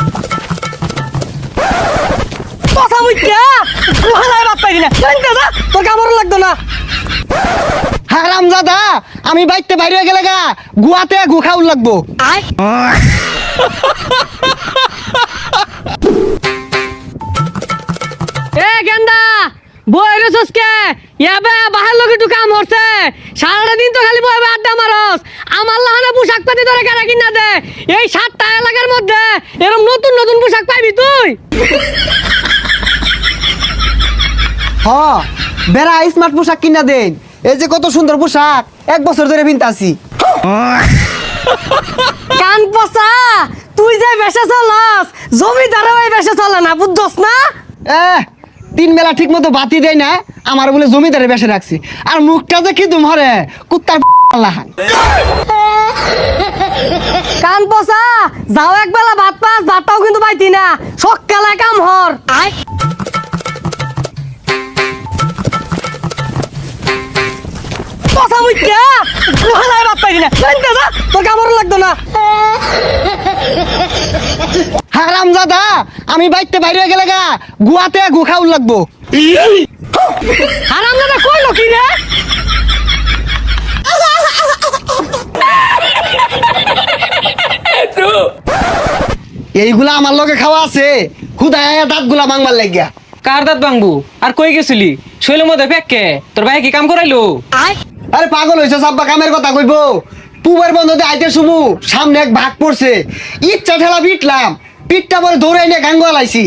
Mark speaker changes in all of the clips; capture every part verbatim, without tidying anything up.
Speaker 1: কথা বুঝছা গুহালায় বাদ পাইলি না জানতে যা তোর কামড় লাগতো না।
Speaker 2: হারামজাদা আমি বাইতে বাইরে গেলে গা গুয়াতে গু খাউল লাগবো।
Speaker 1: আয় এ গেন্দা বই রেছস কে ইয়াবে বাহার লগে একটু কাম হচ্ছে সারাটা দিন তো খালি বইবে আড্ডা মারস। আমার লাহানে পোশাক পাতি ধরে কেনা কিনা দে এই সাতটা এলাকার মধ্যে এরকম নতুন নতুন পোশাক পাইবি তুই।
Speaker 2: হ বেড়া স্মার্ট পোশাক কিনা দেন। এই যে কত সুন্দর পোশাক এক বছর ধরে পিনতাছি।
Speaker 1: কান পচা তুই যে বেশে চলস জমিদারও এই বেশে চলে না বুঝছস না।
Speaker 2: এ তিন বেলা ঠিক মতো বাতি দেয় না আমার বলে জমিদারে বেসে রাখছি আর মুখটা যে কি তুমরে কুত্তার লাহান।
Speaker 1: কান পচা যাও একবেলা ভাত পাস ভাতটাও কিন্তু পাইতি না সকালে কাম হর। আয় কথা বুঝছা গুহালায় বাদ পাইলি না জানতে যা তোর কামড় লাগতো না।
Speaker 2: হারামজাদা আমি বাইতে বাইরে গেলে গা গুয়াতে গু খাউল লাগবো।
Speaker 1: হারামজাদা কইলো কি রে?
Speaker 2: এইগুলা আমার লগে খাওয়া আছে খুদায় দাঁত গুলা মাংবার লাগিয়া।
Speaker 3: কার দাঁত ভাঙবো আর কই গেছিলি শৈলের মধ্যে ফেককে তোর ভাই কি কাম করাইলো?
Speaker 1: আয়
Speaker 2: আরে পাগল হয়েছে সাব্বা কামের কথা কইব পুবের বন্ধতে আইতে শুমু সামনে এক ভাগ পড়ছে ইচ্ছা ঠেলা পিটলাম পিঠটা পরে দৌড়াই নিয়ে গাঙ্গুয়া লাইছি।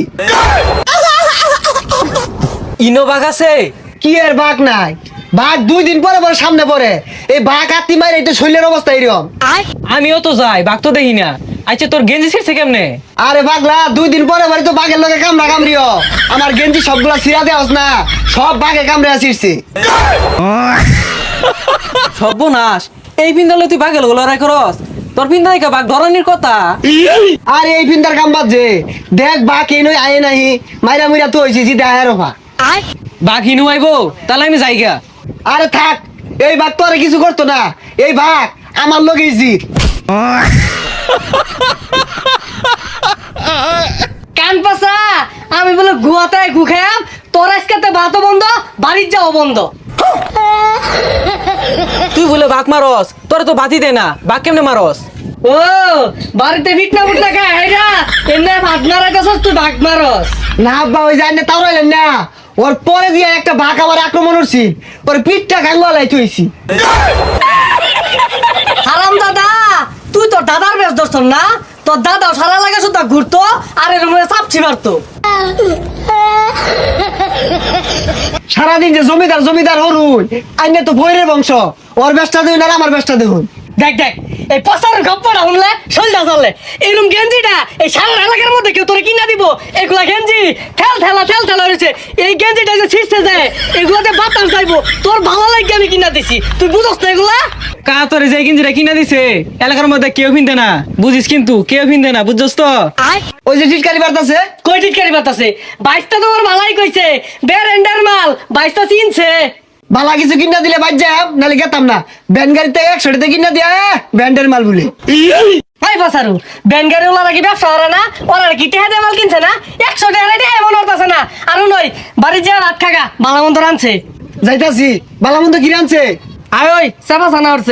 Speaker 3: ইনো বাঘ আছে?
Speaker 2: কি এর বাঘ নাই বাঘ দুই দিন পরে পরে সামনে পড়ে এই বাঘ আত্মি মারে এটা শৈলের অবস্থা এরকম।
Speaker 1: আয়
Speaker 3: আমিও তো যাই বাঘ তো দেখি না। আচ্ছা তোর গেঞ্জি ছিঁড়ছে কেমনে?
Speaker 2: আরে পাগলা দুই দিন পরে পরে তো বাঘের লগে কামড়া কামড়িও আমার গেঞ্জি সবগুলা ছিঁড়া দেওয়াস না সব বাঘে কামড়ে ছিঁড়ছে।
Speaker 3: সর্বনাশ এই পিন্দালে তুই বাঘের লড়াই করস? তোর পিন্দা দেখা বাঘ ধরনের কথা।
Speaker 2: আরে এই ফিন্দার কাম বাদ যে দেখ বাঘ এই নই আয়ে নাহি মাইরা মুইরা তো হয়েছি জিতে আয়ের রফা।
Speaker 1: আয়
Speaker 3: বাঘ হিনু আইবো তাহলে আমি যাইগা।
Speaker 2: আরে থাক এই বাঘ তো আর কিছু করতো না এই বাঘ আমার লগে জিত।
Speaker 1: কান পাসা আমি বলে গুয়াতে গু খাম তোর আজকে ভাতও বন্ধ বাড়ির যাও বন্ধ।
Speaker 3: তুই বলে বাঘ মারস তোর তো বাতি দে না বাঘ কেমনে মারস?
Speaker 1: ও বাড়িতে ফিটনা ফুটনা খায় হেরা এমনি ভাত মারা গেছস তুই ভাগ মারস।
Speaker 2: না আব্বা ওই যায় না তাও রইলেন না ওর পরে দিয়ে একটা বাঘ আমার আক্রমণ করছি ওর পিঠটা গাঙ্গুয়ালাই তুইছি।
Speaker 1: হারাম দাদা তুই তোর দাদার বেশ ধরছ না তোর দাদাও সারা লাগে শুধু ঘুরতো আর এর মধ্যে চাপছি মারতো।
Speaker 2: সারাদিন যে জমিদার জমিদার হরুন আইনে তো ভৈরের বংশ ওর ব্যবসা দেখুন আর আমার ব্যবসা দেখুন।
Speaker 1: দেখ দেখ এই পচার গপ্পটা শুনলে সলটা চললে এরকম গেঞ্জিটা এই সারা এলাকার মধ্যে কেউ তোরে কিনা দিব এগুলা গেঞ্জি ঠেল ঠেলা ঠেল ঠেলা হয়েছে এই গেঞ্জিটা যে ছিঁড়তে যায় এগুলাতে বাতাস যাইবো তোর ভালো লাগে আমি কিনা দিছি তুই বুঝস না এগুলা।
Speaker 3: কা তোর যে গেঞ্জিটা কিনা দিছে এলাকার মধ্যে কেউ পিনতে না বুঝিস কিন্তু কেউ পিনতে না বুঝছস তো।
Speaker 1: আয়
Speaker 2: ওই যে টিটকারি বার্তাছে
Speaker 1: কই টিটকারি বাতাসে বাইশটা তোমার ভালাই কইছে বেরেন্ডার মাল বাইশটা চিনছে।
Speaker 2: বালা কিছু কিনা দিলে বাদ যাম নাহলে গেতাম না ব্যান গাড়িতে একশো টাকা কিনা দিয়া ব্যান্ডের মাল বলে।
Speaker 1: হাই বাসারু ব্যানগাড়ি ওলা কি ব্যবসা করে না ওরা কি টেহা দিয়ে মাল কিনছে না একশো টাকা টেহা এমন হতাছে না আরো নয় বাড়ির যা রাত খাগা বালা মন্দ রানছে
Speaker 2: যাইতাছি বালামন্দ কি রানছে
Speaker 1: আয় ওই চাপা ছানা উঠছে।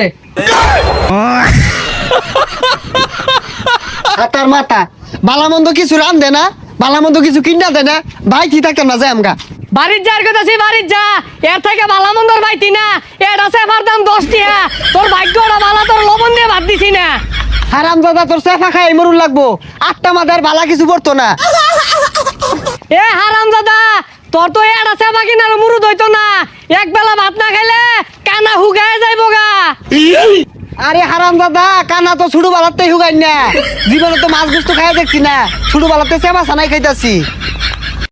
Speaker 2: হাতার মাথা বালামন্দ কিছু রান দে না বালামন্দ কিছু কিনা দে না ভাই কি থাকতাম না যাই আমগা।
Speaker 1: বাড়ির যার কথা সে বাড়ির যা এর থেকে বালা মন্দর পাইতি না এর আছে আমার দাম দশ টিয়া তোর ভাগ্যটা বালা তোর লবণ দিয়ে ভাত দিছি না।
Speaker 2: হারাম দাদা তোর চেফা খাই মরুন লাগবো আটটা মাদার বালা কিছু পড়তো না।
Speaker 1: এ হারাম দাদা তোর তো এর আছে বাকি না মুরুদ হইতো না এক বেলা ভাত না খাইলে কানা হুগায় যাইব গা।
Speaker 2: আরে হারাম দাদা কানা তো ছুটু বালাতে হুগাই না জীবনে তো মাছ গুস্ত খাই দেখছি না ছুটু বালাতে চেপা ছানাই খাইতাছি।